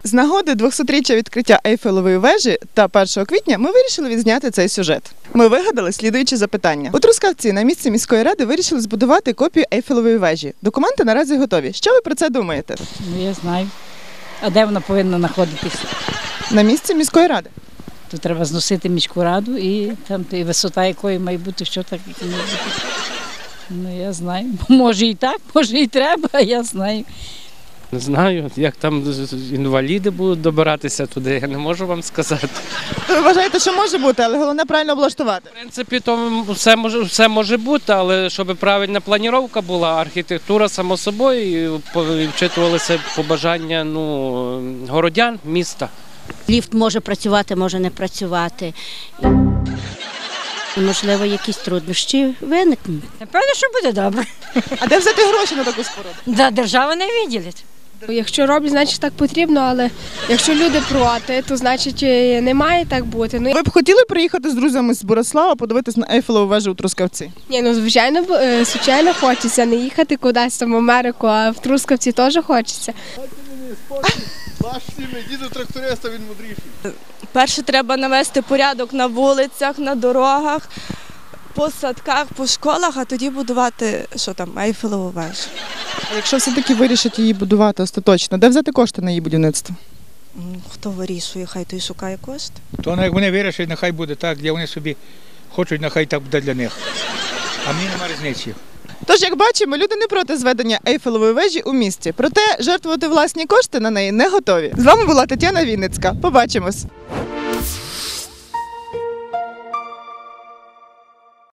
З нагоди 200-річчя відкриття Ейфелевої вежі та 1 квітня ми вирішили відзняти цей сюжет. Ми вигадали слідуючі запитання. У Трускавці на місці міської ради вирішили збудувати копію Ейфелевої вежі. Документи наразі готові. Що ви про це думаєте? Ну, я знаю. А де вона повинна знаходитися? На місці міської ради. Тут треба зносити міську раду і там і висота якої має бути, що так має бути. Ну, я знаю. Може і так, може і треба, я знаю. Не знаю, як там інваліди будуть добиратися туди, я не можу вам сказати. Ви вважаєте, що може бути, але головне правильно облаштувати? В принципі, то все може бути, але щоб правильна планіровка була, архітектура, само собою, і вчитувалися побажання городян міста. Ліфт може працювати, може не працювати. Можливо, якісь труднощі виникнуть. Напевно, що буде добре. А де взяти гроші на таку споруду? Да, держава не виділить. Якщо роблять, значить так потрібно, але якщо люди проти, то значить не має так бути. Ви б хотіли приїхати з друзями з Борислава, подивитись на Ейфелеву вежу у Трускавці? Ні, звичайно хочеться не їхати кудись там в Америку, а в Трускавці теж хочеться. Ваш сім'я, діду тракториста, він мудріший. Перше треба навести порядок на вулицях, на дорогах, по садках, по школах, а тоді будувати, Ейфелеву вежу. А якщо все-таки вирішать її будувати остаточно, де взяти кошти на її будівництво? Хто вирішує, хай той шукає кошти. То як вони вирішать, нехай буде так, де вони собі хочуть, нехай так буде для них. А мені немає різниці. Тож, як бачимо, люди не проти зведення Ейфелевої вежі у місті. Проте жертвувати власні кошти на неї не готові. З вами була Тетяна Вінницька. Побачимось!